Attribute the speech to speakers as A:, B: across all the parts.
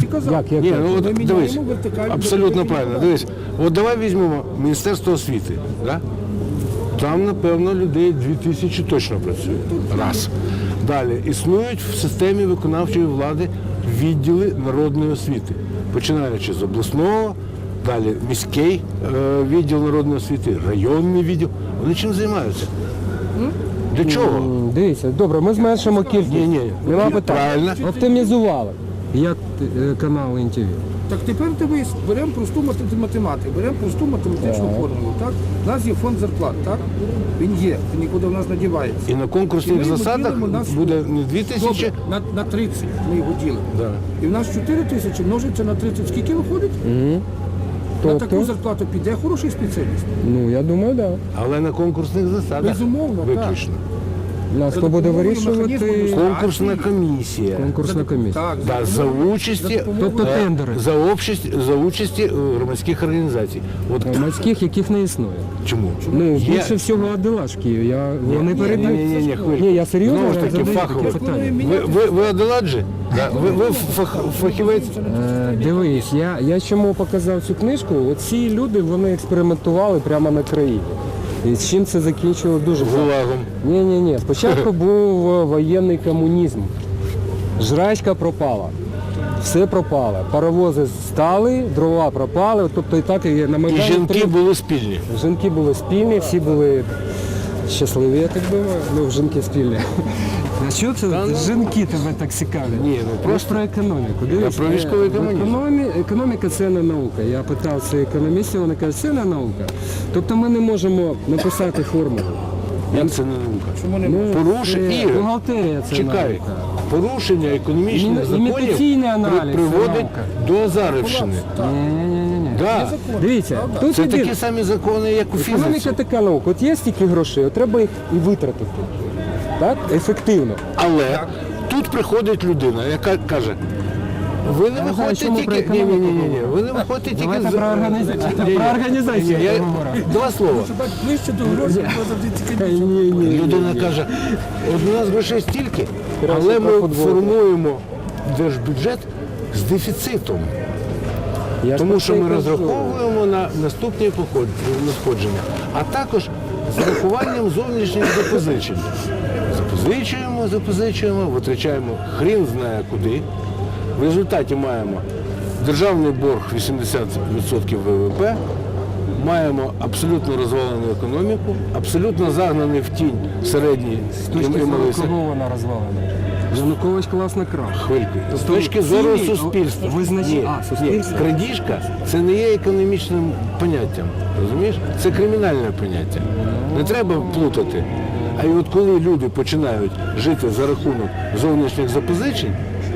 A: казав.
B: Ні, ну
A: Ми
B: от
A: міняємо
B: дивись,
A: вертикальну
B: абсолютно
A: вертикальну
B: правильно.
A: баланс.
B: Дивись, от давай візьмемо Міністерство освіти. Да? Там, напевно, людей 2000 точно працює. Раз. Далі, існують в системі виконавчої влади відділи народної освіти, починаючи з обласного, далі міський відділ народної освіти, районний відділ. Вони чим займаються? Для чого?
C: Дивіться, добре, ми зменшимо кількість.
B: Ні.
C: Нема питань.
B: Правильно.
C: Оптимізували. Як канал НТВ.
A: Так тепер дивись, беремо просту математику, беремо просту математичну формулу. Так? У нас є фонд зарплат, так? Він є, він нікуди в нас не дівається.
B: І на конкурсних засадах буде не 2000,
A: Добре, на 30 ми його ділимо.
B: да.
A: І в нас 4 тисячі множиться на 30. Скільки виходить? На таку
C: Тобто,
A: зарплату піде хороший спеціаліст.
C: ну я думаю, так.
B: але на конкурсних засадах
A: Безумовно, так.
B: виключно.
C: Нас
A: За
C: то буде
A: допомогою
C: вирішувати
A: механізму
B: Конкурсна комісія.
C: конкурсна комісія.
A: Так,
B: Да, за участі,
C: Тобто тендери.
B: за участі громадських організацій. От
C: Громадських, яких не існує.
B: чому?
C: Ну,
B: Є-
C: більше всього Аделаш в Києві. Вони передають.
B: Ні, хвилю.
C: Ні, я серйозно
B: Знову ж таки,
C: задаю
B: фахово.
C: таке питання.
B: Ви Аделаджі? Да? Ви фахівець?
C: Дивись, я чому показав цю книжку, оці люди, вони експериментували прямо на країні. І з чим це закінчило дуже погано.
B: Гулагом.
C: Ні. Спочатку був воєнний комунізм. Жрачка пропала. Все пропало. Паровози стали, дрова пропали. Тобто і так і на
B: І
C: Майдані.
B: жінки були спільні.
C: Жінки були спільні, всі були щасливі, я так думаю. Ну, жінки спільні. А що це жінки тебе так цікавлять?
B: Ні, ну просто
C: про економіку. Дивись,
B: про військовий комунізм.
C: Економіка це не наука. Я питав це економістів, вони кажуть, це не наука. Тобто ми не можемо написати формулу.
B: як це не наука?
A: Чому не
C: Ну,
B: Порушення
C: це
B: Ігор,
C: бухгалтерія це
B: чекай,
C: наука.
B: порушення економічних
C: Імітаційний
B: законів
C: аналіз,
B: приводить
C: це
B: до Азарівщини.
C: Ні.
B: Да.
C: Дивіться, тут
B: Це
C: єдине.
B: такі самі закони, як у фізиці.
C: Економіка така наука. От є стільки грошей, от треба їх і витратити. Так? Ефективно.
B: Але тут приходить людина, яка каже, ви не
C: знаю,
B: виходите
C: чому про
B: тільки.
C: економіку
B: Ні. Ви не виходите тільки
C: Давайте про організацію.
B: Ні.
C: Про організацію
B: Ні,
C: я
B: я-
C: говорю.
B: Два слова.
A: ближче до грошей, бо завжди цікавіше.
C: Ні.
B: Людина каже, от у нас грошей стільки, але ми
C: про футбол.
B: формуємо держбюджет з дефіцитом.
C: Я ж
B: Тому
C: про
B: що
C: це й
B: ми
C: кажу.
B: розраховуємо на наступні надходження, а також з урахуванням зовнішніх запозичень. Запозичуємо, витрачаємо хрін знає куди. В результаті маємо державний борг 80% ВВП, маємо абсолютно розвалену економіку, абсолютно загнаний в тінь середній
C: З точки
B: і
C: зору
B: малий
C: кого вона розвалена? Янукович класно крав.
B: Хвильку. З точки зору
C: цілі
B: суспільства.
C: суспільство.
B: Крадіжка – це не є економічним поняттям. Розумієш? Це кримінальне поняття. Не треба плутати. А і от коли люди починають жити за рахунок зовнішніх запозичень,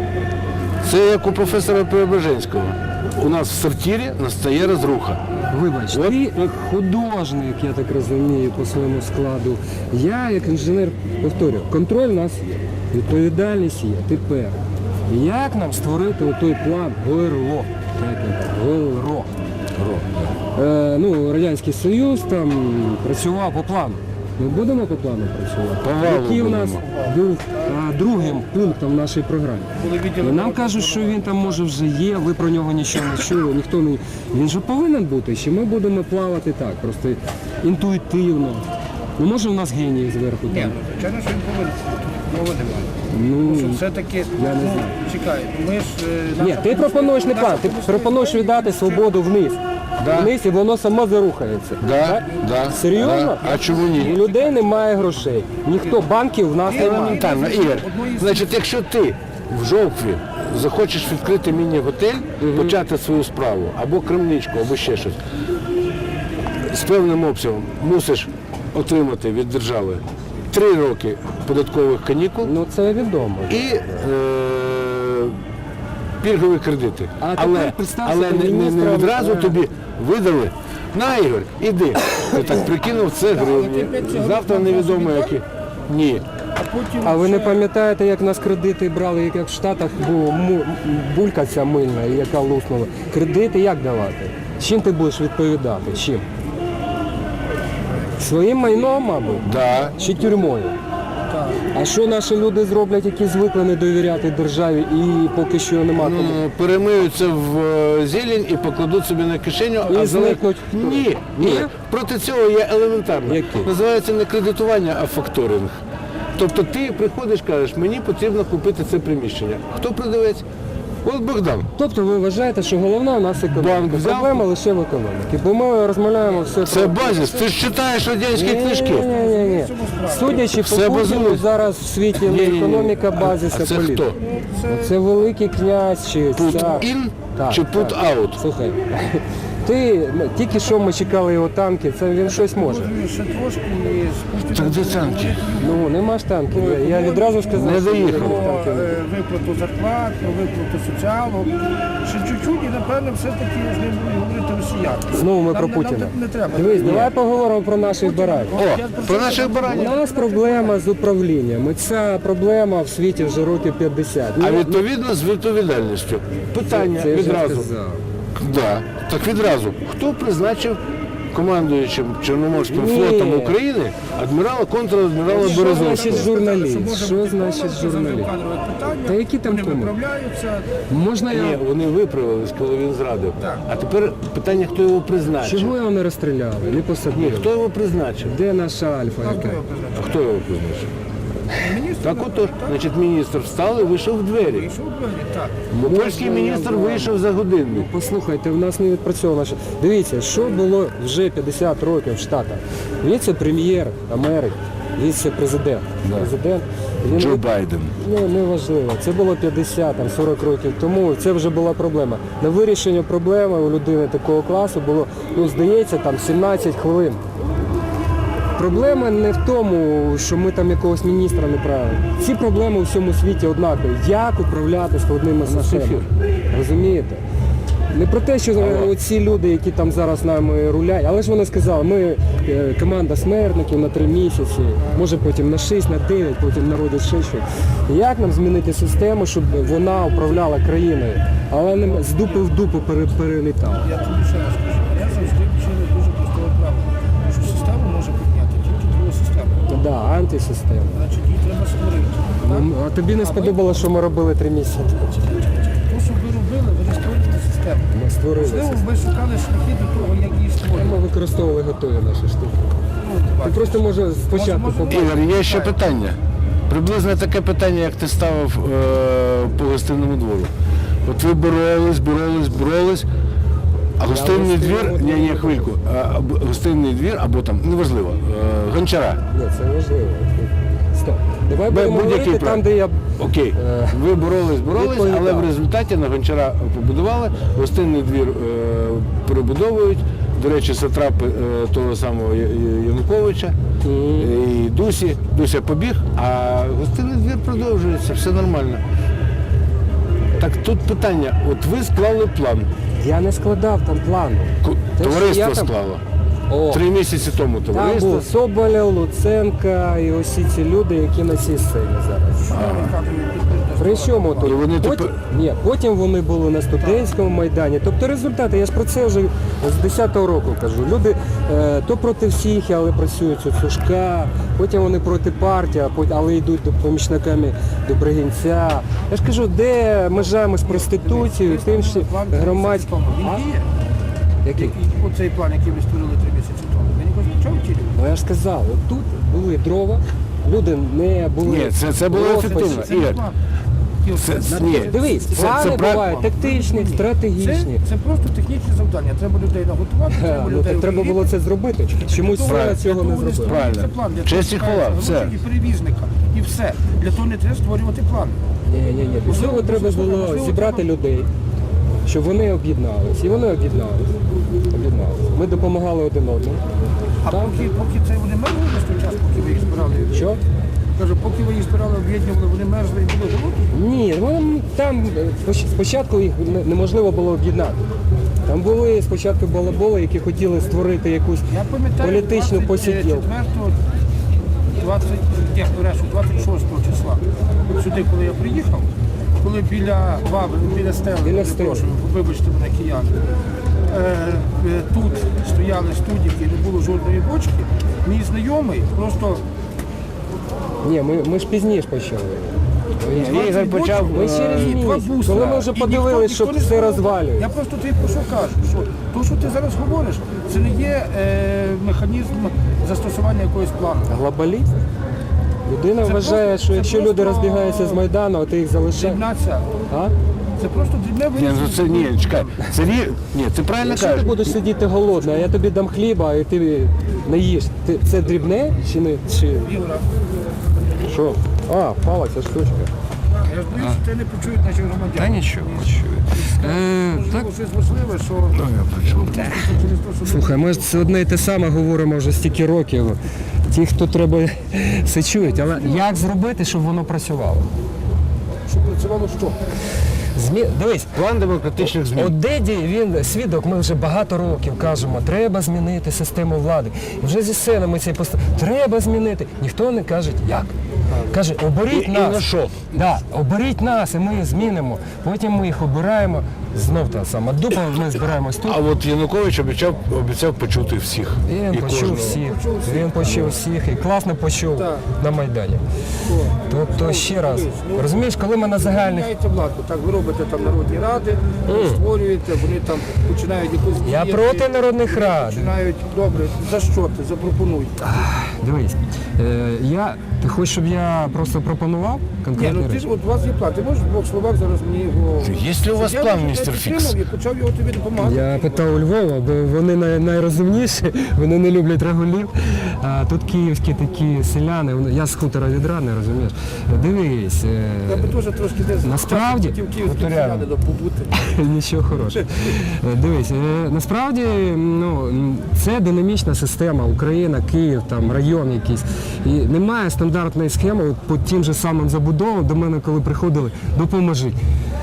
B: це як у професора Преображенського. У нас в сортирі настає розруха.
C: Вибач,
B: От.
C: ти художник, я так розумію, по своєму складу. Я, як інженер, повторюю, контроль у нас є, відповідальність є. Тепер, як нам створити той план ГРО? ГРО. Радянський Союз там працював по плану. Ми будемо по плану працювати?
B: По валу
C: Який у нас
B: будемо.
C: був другим пунктом в нашій програмі? І нам кажуть, що він там може вже є, ви про нього нічого не чули, ніхто не... Він же повинен бути, чи ми будемо плавати так, просто інтуїтивно. Ну може у нас генії зверху
A: Ні,
C: там.
A: ну, звичайно, що він повинен. Мови немає.
C: Ну,
A: Що все-таки,
C: я не знаю.
A: чекай, ми ж...
C: Ні, ти пропонуєш не план, ти пропонуєш віддати свободу вниз. Вниз і воно само зарухається.
B: Да.
C: Серйозно?
B: А чому ні?
C: У людей немає грошей. Ніхто банків в нас немає.
B: Елементарно, Ігор. Значить, якщо ти в жовтві захочеш відкрити міні-готель, почати свою справу, або крамничку, або ще щось, з певним обсягом мусиш отримати від держави 3 роки податкових канікул
C: Ну це відомо.
B: і пільгові кредити.
C: А тепер представ собі
B: не
C: міністра,
B: відразу тобі видали. На, Ігор, іди. Ти так прикинув, це гривні. Завтра невідомо які. Ні.
C: А ви не пам'ятаєте, як нас кредити брали, як в Штатах була булька ця мильна, яка луснула? Кредити як давати? Чим ти будеш відповідати? Чим? Своїм майном, мабуть?
B: Да.
C: Чи тюрмою? А що наші люди зроблять, які звикли не довіряти державі і поки що нема кому?
B: Перемиються в зелень і покладуть собі на кишеню,
C: І зникнуть.
B: Ні.
C: Ні?
B: Проти цього є елементарно.
C: Який?
B: Називається не кредитування, а факторинг. Тобто ти приходиш, кажеш, мені потрібно купити це приміщення. Хто продавець? От Богдан.
C: Тобто ви вважаєте, що головна у нас економіка.
B: Банк взяв?
C: Проблема лише в економіці. Бо ми розмовляємо все
B: Це базис. Ти ж читаєш радянські книжки.
C: Ні. Судячи
B: Все
C: по Путіну,
B: базується.
C: зараз в світі не
B: Ні-ні-ні.
C: економіка базис,
B: А
C: а
B: це
C: політика.
B: хто?
C: Це великий князь чи
B: Put
C: цар.
B: in
C: Так,
B: чи put
C: так.
B: out?
C: Слухай, тільки що ми чекали його танки, це він щось може.
A: Ще трошки і з Путіним
B: Так де танки?
C: Ну, нема ж танків. Я відразу сказав,
B: Не
C: що
B: доїхали.
C: танків немає.
A: виплату зарплат, про виплату соціалу. Ще чуть-чуть і, напевно, все-таки з ним будуть говорити росіяни.
C: Знову ми
A: Нам
C: про
A: не-
C: Путіна.
A: нам не треба.
C: Дивись, давай поговоримо про наших баранів.
B: О, про наших
C: У
B: баранів.
C: нас проблема з управлінням. І ця проблема в світі вже років 50.
B: А відповідно з відповідальністю. Питання
C: Це я вже
B: відразу.
C: сказав.
B: Да. Так відразу. Хто призначив командуючим Чорноморським
C: Ні.
B: флотом України адмірала, контр-адмірала
C: Що значить
B: Березовського?
C: журналіст? Що значить журналіст? Та які там
A: Вони
C: кому?
A: виправляються.
C: Можна
B: Ні,
C: я...
B: вони виправились, коли він зрадив. А тепер питання, хто його призначив?
C: Чого його не розстріляли, не
B: Ні,
C: посадили?
B: хто його призначив?
C: Де наша альфа яка?
B: А хто його призначив?
A: Міністр,
B: Так отож, значить, міністр встав і вийшов в двері.
A: Пішов в двері, так.
B: Бо польський міністр вийшов за годинник.
C: Послухайте, в нас не відпрацьовано. Дивіться, що було вже 50 років в Штатах. Віце-прем'єр Америки, віце-президент. Президент. Він
B: Джо Байден.
C: Не важливо. Це було 50-40 років тому. Це вже була проблема. На вирішення проблеми у людини такого класу було, здається, там 17 хвилин. Проблема не в тому, що ми там якогось міністра не правили. Ці проблеми у всьому світі однакові. Як управляти складними системами? Розумієте? Не про те, що оці люди, які там зараз нами рулять, але ж вони сказали, ми команда смертників на 3 місяці, може потім на 6, на 9, потім народять ще щось. Як нам змінити систему, щоб вона управляла країною, але не з дупи в дупу перелітала?
A: Я тобі ще раз скажу. Я завжди вчили дуже простого правила, що систему може підняти тільки друга система.
C: Да, антисистема.
A: Значить, її треба створити. Так?
C: А тобі не сподобалося, що ми робили 3 місяці?
A: То, що ви робили, ви створюєте систему.
C: Ми створили
A: Можливо,
C: систему.
A: ви шукали шляхи до того, як її
C: Ми
A: створити.
C: використовували готові наші штуки. Ти просто може спочатку побачити.
B: Ігор, є ще питання. Приблизно таке питання, як ти ставив по гостинному двору. От ви боролись, а гостинний двір, ні, хвильку, гостинний двір, або там, неважливо, Гончара.
C: Ні, це важливо. Стоп. Давай будемо
B: Будь-який
C: говорити
B: проект.
C: там, де я...
B: Окей, ви боролись,
C: відповідав.
B: але в результаті на Гончара побудували, гостинний двір перебудовують. До речі, сатрапи того самого Януковича і Дуся побіг, а гостинний двір продовжується, все нормально. Так тут питання, от ви склали план,
C: Я не складав там плану. Те, що
B: товариство
C: я там-
B: склало.
C: О,
B: 3 місяці тому
C: там
B: товариство.
C: був Соболєв, Луценка і усі ці люди, які на цій сцені зараз. При чому тут?
B: І вони
C: Потім,
B: тепер-
C: потім вони були на студентському майдані. Тобто результати, я ж про це вже з 10-го року кажу. Люди то проти всіх, але працюють у Сушка, потім вони проти партії, але йдуть помічниками до Бригинця. Я ж кажу, де межа з проституцією, тим, що громадським.
A: Він
C: А?
A: діє.
C: Який?
A: Оцей план, який ви створили 3 місяці тому. Ви ніколи нічого втілювали?
C: Ну я ж сказав, от тут були дрова, люди не були.
B: Ні, це було
C: профі.
B: ефективно.
A: Це не
B: Ігор,
A: план.
B: ні.
C: Дивись,
B: Це
C: плани
B: прав-
C: бувають тактичні, стратегічні.
A: Це просто технічні завдання. Треба людей наготувати, треба
C: Ну,
A: людей
C: так треба було це зробити. Чомусь влада цього не зробила.
B: Правильно. Честь і хвала, все.
A: І перевізника, і все. Для того не треба створювати план.
C: Ні. Можливо, треба було зібрати людей, щоб вони об'єднались. І вони об'єднались. Ми допомагали один одному.
A: А поки це вони мерзли весь той час, поки ви їх збирали.
C: Що?
A: Кажу, поки ви їх збирали, об'єднували, вони мерзли і були голодні.
C: Ні, там спочатку їх неможливо було об'єднати. Там були спочатку балаболи, які хотіли створити якусь
A: Я пам'ятаю,
C: політичну посиділку.
A: 26 числа, от сюди, коли я приїхав, коли біля стели,
C: Біля стели.
A: прошу, вибачте мене, кияни, тут стояли студіки, не було жодної бочки, мій знайомий просто
C: Ні, ми ж пізніше почали.
B: Ігор почав,
C: Ми через
A: І два
C: місяць,
A: бустера.
C: коли ми вже
A: І
C: подивилися, що
A: ніхто не
C: все
A: знає.
C: розвалює.
A: Я просто тобі про що кажу, що то, що ти зараз говориш, це не є механізм застосування якогось плану.
C: Глобаліст? Людина
A: Це
C: вважає,
A: просто-
C: що
A: це
C: якщо
A: просто
C: люди розбігаються з Майдану, а ти їх залишаєш.
A: Дрібна ця.
C: А?
A: Це просто дрібне
B: Ні,
A: винесення.
B: ну це ні, чекай. Це ні, ти правильно
C: Якщо ти
B: кажеш.
C: будеш сидіти голодний, а я тобі дам хліба, і ти не їш, це дрібне чи не? Чи...
A: Ігора,
C: Що? А, впала ця штучка.
A: я ж боюсь, що тебе не почують наші громадяни.
C: Та нічого, почую.
A: Можливо, щось важливе, що через те, що
C: Слухай, ми ж це одне і те саме говоримо вже стільки років. Ті, хто треба, все чують. Але як зробити, щоб воно працювало?
A: щоб працювало що?
C: Дивись,
B: План демократичних змін.
C: от Деді, він свідок, ми вже багато років кажемо, треба змінити систему влади. І вже зі сцени ми цей треба змінити. Ніхто не каже, як. Каже, оберіть
B: І
C: нас.
B: на що?
C: Да, оберіть нас, і ми змінимо. Потім ми їх обираємо. Знов та сама дупа, ми збираємось тут.
B: А от Янукович обіцяв почути всіх.
C: Він
B: І
C: почув
B: кожного.
C: всіх, він почув всіх і класно почув
A: Так.
C: на Майдані. Тобто ще раз, розумієш, коли ми на загальних.
A: Міняєте владу, так ви робите там народні ради, ви створюєте, вони там починають якусь
C: Я
A: діяти,
C: проти народних рад.
A: починають, добре, за що ти, запропонуй.
C: Дивись, ти хочеш, щоб я просто пропонував
A: Ні,
C: конкретні
A: ну ти
C: речі?
A: ж, от у вас є план, ти можеш в двох словах зараз мені його...
B: Є ли у вас
A: Я
B: план,
A: вже
B: містер
A: підтримав
B: Фікс?
A: і почав його тобі допомагати.
C: Я питав у Львова, бо вони найрозумніші, вони не люблять регулів. А тут київські такі селяни, я з хутора від рани, розумієш. Дивись,
A: Я би теж трошки десь
C: Насправді,
A: хотів київським селянам побути.
C: нічого хорошого. Дивись, насправді це динамічна система, Україна, Київ, там район якийсь. І немає стандартної схеми от по тим же самим забудовам, до мене коли приходили, допоможіть.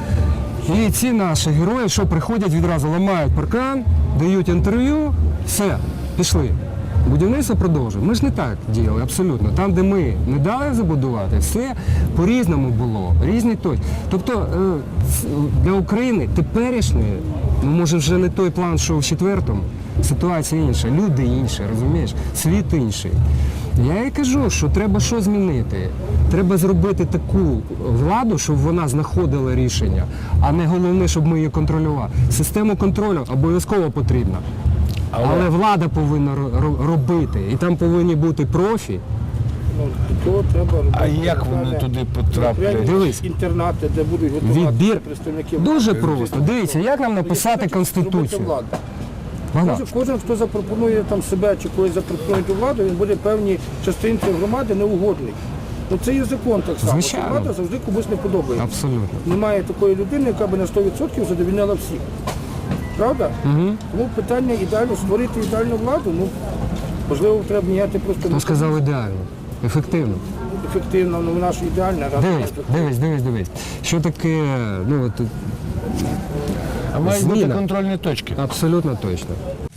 C: І ці наші герої, що приходять, відразу ламають паркан, дають інтерв'ю, все, пішли. Будівництво продовжує. Ми ж не так діяли, абсолютно. Там, де ми не дали забудувати, все по-різному було, різні той. Тобто для України теперішньої, може вже не той план, що в четвертому, ситуація інша, люди інші, розумієш, світ інший. Я і кажу, що треба що змінити. Треба зробити таку владу, щоб вона знаходила рішення, а не головне, щоб ми її контролювали. Систему контролю обов'язково потрібна. Але влада повинна робити, і там повинні бути профі.
A: Ну, то треба робити.
B: А як вони туди потраплять?
C: Дивись.
A: Інтернати, де будуть готуватися
C: Відбір
A: представники
C: дуже
A: влади.
C: просто. Дивіться, як нам написати
A: Робити
C: Конституцію.
A: владу.
C: Вона.
A: Кожен, хто запропонує там себе чи когось запропонує до влади, він буде певній частинці громади неугодний. Ну це є закон так само.
C: Звичайно.
A: Що влада завжди комусь не подобається.
C: Абсолютно.
A: Немає такої людини, яка би на 100% задовільняла всіх. Правда? Тому питання ідеально створити ідеальну владу, ну можливо, треба міняти просто
C: Хто сказав ідеально, ефективно.
A: ефективно, ну вона ж ідеальна.
C: Дивись. Що таке,
B: А мають бути
C: зміна.
B: контрольні точки.
C: Абсолютно точно.